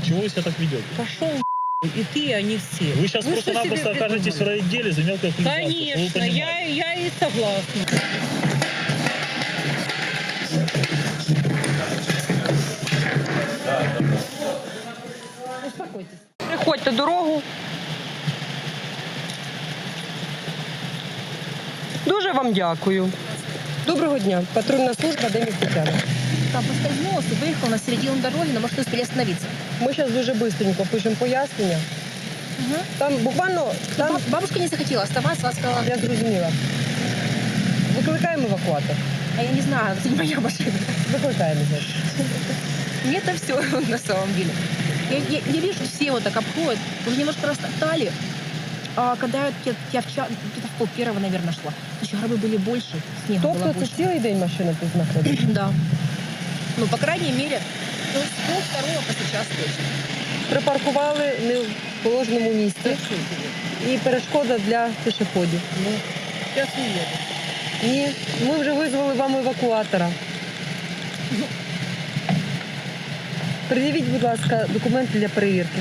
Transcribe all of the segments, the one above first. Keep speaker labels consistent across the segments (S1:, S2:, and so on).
S1: Чего вы себя так ведете?
S2: Пошел и ты, а не все.
S1: Вы сейчас просто-напросто окажетесь в райотделе за мелкое хулиганство.
S2: Конечно, я и согласна. Успокойтесь. Приходьте дорогу. Дуже вам дякую. Доброго дня. Патрульна служба Демис Тетяна.
S3: Там поскользнулся, выехал на середину дороги, но может успели остановиться.
S2: Ми зараз дуже быстренько пишемо пояснення.
S3: Угу.
S2: Там буквально... Там...
S3: Бабушка не захотела оставаться, она сказала,
S2: Я зрозуміла. Викликаємо евакуатор.
S3: а я не знаю, это не моя машина.
S2: Викликаємо, значить.
S3: Мне это все на самом деле. Я вижу, все вот так обходят, уже немножко растоптали. А когда я вчера, где-то в 12:30, наверное, шла, еще гробы были больше, снега было
S2: Тобто це
S3: больше.
S2: цілий день машина тут знаходиться?
S3: Да. Ну, по крайней мере, то есть пол-второго по сейчас точно.
S2: Припаркували не в положеному місці. І перешкода для пішоходів.
S3: Ну, сейчас уеду.
S2: Ні, ми вже визвали вам евакуатора. Пред'явіть, будь ласка, документи для перевірки.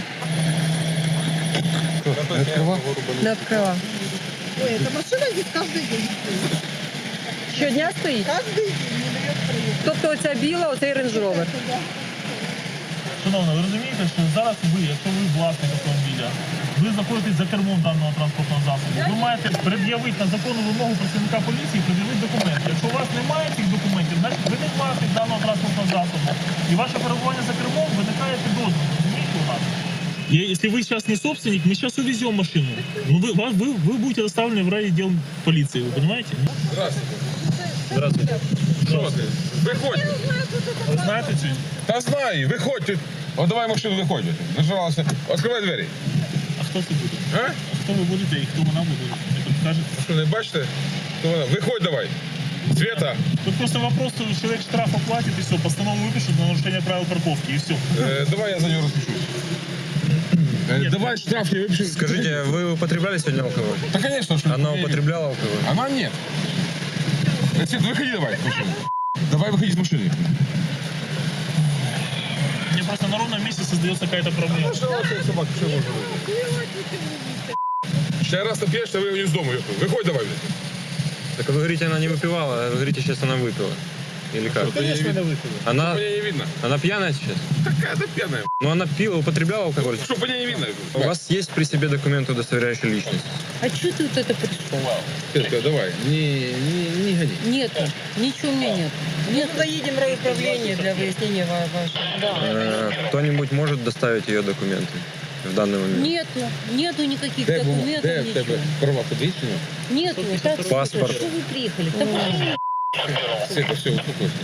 S2: Не відкрила.
S4: Ой, эта машина здесь каждый день.
S2: Щодня стоїть?
S4: Каждый день не дает проехать.
S2: Тобто оця біла, оцей рейндж-ровер.
S1: Шановна, ви розумієте, що зараз ви, якщо ви власник автомобіля, ви знаходитесь за кермом даного транспортного засобу, ви маєте пред'явити на законну вимогу працівника поліції, пред'явити документи. Якщо у вас немає цих документів, значить ви не власник даного транспортного засобу. І ваше перебування за кермом виникає підозра. Розумієте у нас? И если вы сейчас не собственник, мы сейчас увезем машину. Ну, вы будете доставлены в райотдел полиции, вы понимаете?
S5: Здравствуйте.
S1: Здравствуйте.
S5: Що ти? Виходь.
S1: Вы знаете цю?
S5: Та знаю, виходь. От давай машину виходь. Нажалася. Відкривай двері.
S1: А хто це буде?
S5: А?
S1: Хто ви будете і хто вона буде? Не підкажете?
S5: Що, не бачите? То вона. Виходь давай. Света,
S1: Тут просто вопрос, что человек штраф оплатит и все, постанову выпишут на нарушение правил парковки и все.
S5: давай я за нього розпишусь. Давай штраф я выпишу.
S6: Скажите, вы употребляли сегодня алкоголь?
S5: Да, конечно. Что
S6: Она употребляла алкоголь?
S5: Она нет. Свет, выходи давай с машины. Давай выходи с машины.
S1: Мне просто на ровном месте создается какая-то проблема.
S5: Собака, что можно? Сейчас раз напьешь, ты выйдешь из дома. Выходь давай.
S6: Так вы говорите, она не выпивала, а вы говорите, сейчас она выпила. Или как?
S1: Конечно, она выпила.
S6: Она,
S5: Меня не видно.
S6: она пьяная сейчас?
S5: Какая-то пьяная.
S6: Ну она пила, употребляла алкоголь.
S5: Что, по ней не видно?
S6: У вас есть при себе документы, удостоверяющие личность?
S2: А чого ти вот это прийшов?
S5: Светка, давай, не гони.
S2: Нету, ничего у меня нет. Мы туда едем в райуправление для выяснения вашего.
S6: Кто-нибудь может доставить ее документы в данный момент?
S2: Нету никаких документов, ничего.
S5: Права подвесили?
S2: Нету, так,
S6: Паспорт.
S2: Что вы приехали? Так,
S5: Света, все, успокойся.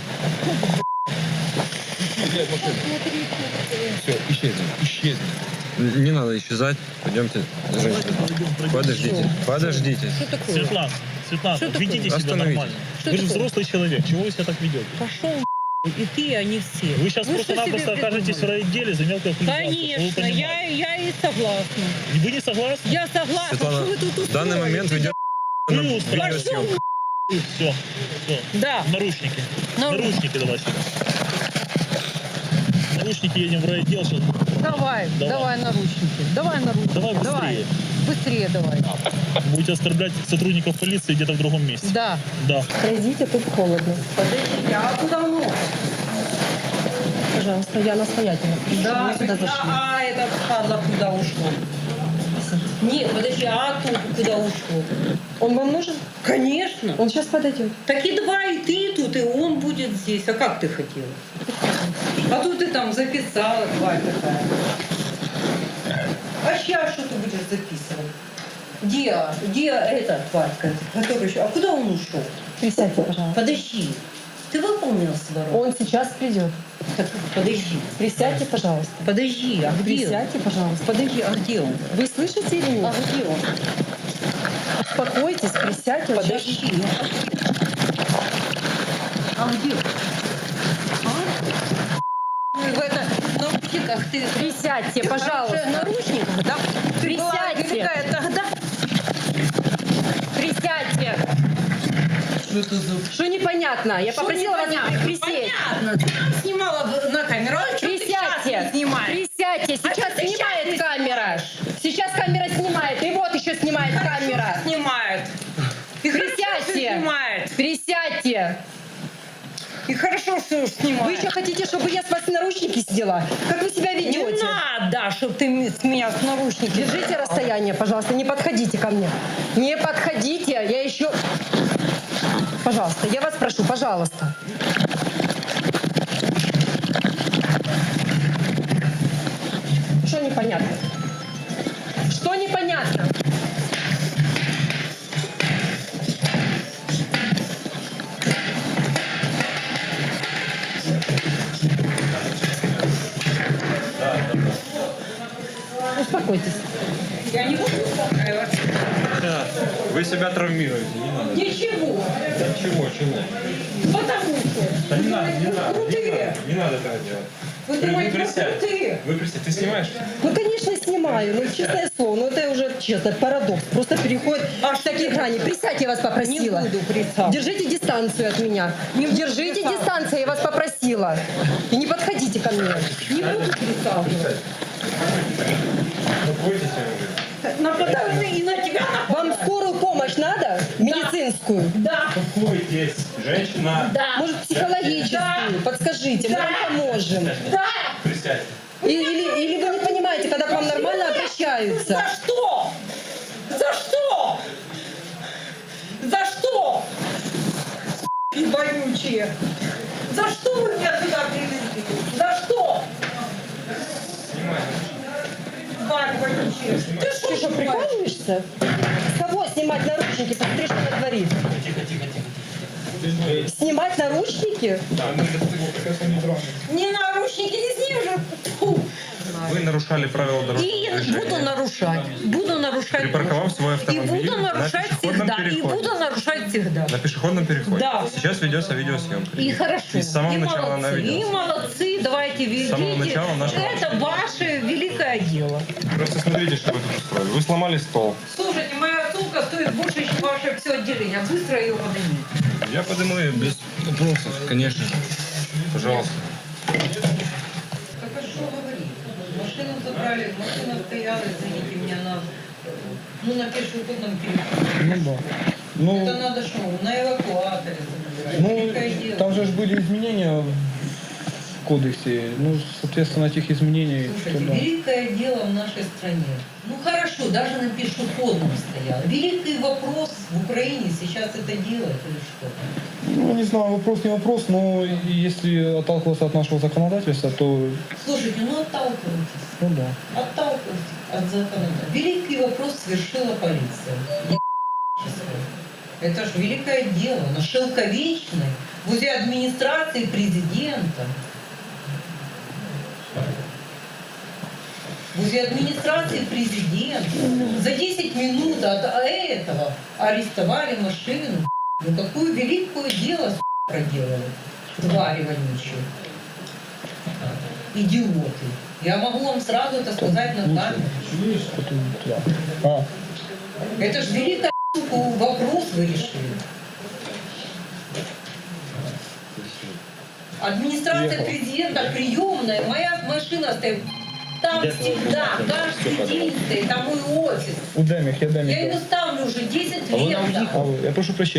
S5: Все, исчезни.
S6: Не надо исчезать. Пойдемте, женщина. Подождите, подождите.
S2: что такое?
S1: Светлана,
S2: Что такое?
S1: ведите себя
S6: Остановитесь.
S1: нормально.
S2: Что
S1: Вы же
S2: такое?
S1: взрослый человек, чего вы себя так ведете?
S2: Пошел и ты, а не все.
S1: Вы сейчас просто-напросто окажетесь в райотделе за мелкое хулиганство.
S2: Конечно, я и согласна.
S1: Вы не согласны?
S2: Я согласна,
S6: Светлана,
S2: что вы тут
S6: в данный момент ведет
S1: Вы устраиваете.
S6: видеосъемку.
S1: Все.
S2: Да.
S1: Наручники.
S2: Наручники.
S1: Наручники давай сюда. Наручники едем в райотдел сейчас.
S2: Давай наручники. Давай наручники.
S1: Давай быстрее.
S2: Быстрее давай.
S1: Будете оскорблять сотрудников полиции где-то в другом месте.
S2: Да.
S1: Да.
S2: Пройдите, тут холодно. Подождите, а куда мы? Пожалуйста, я настоятельно. Да, мы сюда зашли. А это падла куда ушло? Нет, подожди, а тут куда ушло? Он вам нужен? Конечно. Он сейчас подойдет. Так и давай, и ты тут, и он будет здесь. А как ты хотела? А тут ты там записала, тварь такая. А сейчас что ты будешь записывать? Где эта тварька? Которая еще? А куда он ушел?
S4: Присядьте, пожалуйста.
S2: Подожди. Ты выполнил свою работу?
S4: Он сейчас придет.
S2: Так, подожди.
S4: Присядьте, пожалуйста.
S2: Подожди, а где он?
S4: Присядьте, пожалуйста.
S2: Подожди, а где он?
S4: Вы слышите или
S2: А
S4: нет?
S2: где он?
S4: Успокойтесь, присядьте. вот сейчас.
S2: Подожди. А где он? В это, наручниках ты...
S4: Присядьте,
S2: В
S4: пожалуйста.
S2: наручниках, да? Ты была
S4: Присядьте.
S2: великая тогда.
S4: Присядьте.
S2: Что это за...
S4: Что непонятно? Я попросила вас присесть.
S2: Понятно. Ты там снимала на камеру. А что ты
S4: Присядьте.
S2: сейчас
S3: Присядьте. Присядьте. Сейчас снимает камера. Сейчас камера снимает. И вот еще снимает камера.
S2: Снимает. И
S3: Присядьте.
S2: снимает.
S3: Присядьте.
S2: И хорошо, что снимает.
S3: Вы еще хотите, чтобы я с вас наручники сняла? Как вы себя
S2: Не
S3: ведете?
S2: надо, чтобы ты с меня с наручники.
S3: Держите расстояние, пожалуйста, не подходите ко мне. Не подходите, я еще... Пожалуйста, я вас прошу, пожалуйста. Что непонятно? Что непонятно? Успокойтесь.
S2: Я не буду успокаиваться.
S6: Вы себя травмируете, не надо.
S2: Ничего.
S6: Чего?
S2: Потому что
S6: Не надо,
S2: крутые.
S6: не надо этого делать.
S2: Вы думаете, вы
S6: присядь.
S2: крутые.
S6: Вы присядь, ты снимаешь?
S3: Ну, конечно, снимаю, но честное слово, ну это уже честно, парадокс. Просто переходит аж в такие грани. Присядьте, я вас попросила.
S2: Не буду присядать.
S3: Держите дистанцию от меня. Держите дистанцию, я вас попросила. И не подходите ко мне.
S2: Не буду присаживаться.
S6: Бойтесь уже.
S2: Нападаю и на тебя нападаю.
S3: Вам скорую помощь надо? Медицинскую?
S2: Да.
S6: Успокойтесь, женщина.
S2: Да.
S3: Может, психологическую? Подскажите, мы вам поможем.
S2: Да.
S6: Присядьте.
S3: Или вы не понимаете, когда к вам нормально обращаются?
S2: За что? За что? За что? И вонючие. За что вы меня сюда привезли? За что? Тварь вонючая. Ты что,
S3: Ты что, прикалываешься? С кого снимать наручники? Посмотри, что натворит. Снимать наручники?
S2: Не наручники, не сними же. Фу.
S6: Вы нарушали правила дорожного
S2: И
S6: движения.
S2: буду нарушать. Буду нарушать.
S6: Припарковав свой
S2: И
S6: автомобиль
S2: буду нарушать
S6: на пешеходном
S2: всегда. И
S6: переходе.
S2: буду нарушать всегда.
S6: На пешеходном переходе.
S2: Да.
S6: Сейчас ведется видеосъемка.
S2: И хорошо.
S6: И с самого
S2: и
S6: начала она
S2: молодцы. И
S6: ведется.
S2: молодцы. Давайте ведите.
S6: С самого начала наша
S2: Это ваше великое дело.
S6: Просто смотрите, что вы тут устроили. Вы сломали стол.
S2: Слушайте, моя сумка стоит больше, чем ваше все отделение. Быстро ее поднимите.
S6: Я подниму ее без вопросов, конечно. Пожалуйста.
S2: Так а что говорить? Машину забрали, машина стояла, извините меня, на пешеходном переходе.
S7: Ну да. Ну,
S2: Это надо что, на эвакуаторе забирать. Великое
S7: ну
S2: дело.
S7: там же были изменения в кодексе. Ну, соответственно, этих изменений.
S2: Слушайте,
S7: туда.
S2: великое дело в нашей стране. Ну хорошо, даже на пешеходном стоял. Великий вопрос в Украине сейчас это делать или что?
S7: Ну, не знаю, вопрос не вопрос, но если отталкиваться от нашего законодательства, то,
S2: Слушайте, ну отталкивайтесь.
S7: ну да.
S2: Отталкивайтесь от законодательства. Великий вопрос совершила полиция. Это же великое дело. На Шелковечной, возле администрации президента. Возле администрации президента за 10 минут от этого арестовали машину. Ну какое великое дело проделали. Твари вонючие. Идиоты. Я могу вам сразу это сказать на камеру.
S7: Потом туда. А,
S2: Это же великий вопрос вы решили. Администрация президента приемная, моя машина стоит. Там всегда, каждый день стоит, там мой офис.
S7: у Демих, я
S2: Я
S7: Демих.
S2: ее ставлю уже 10 лет.
S7: Я прошу прощения.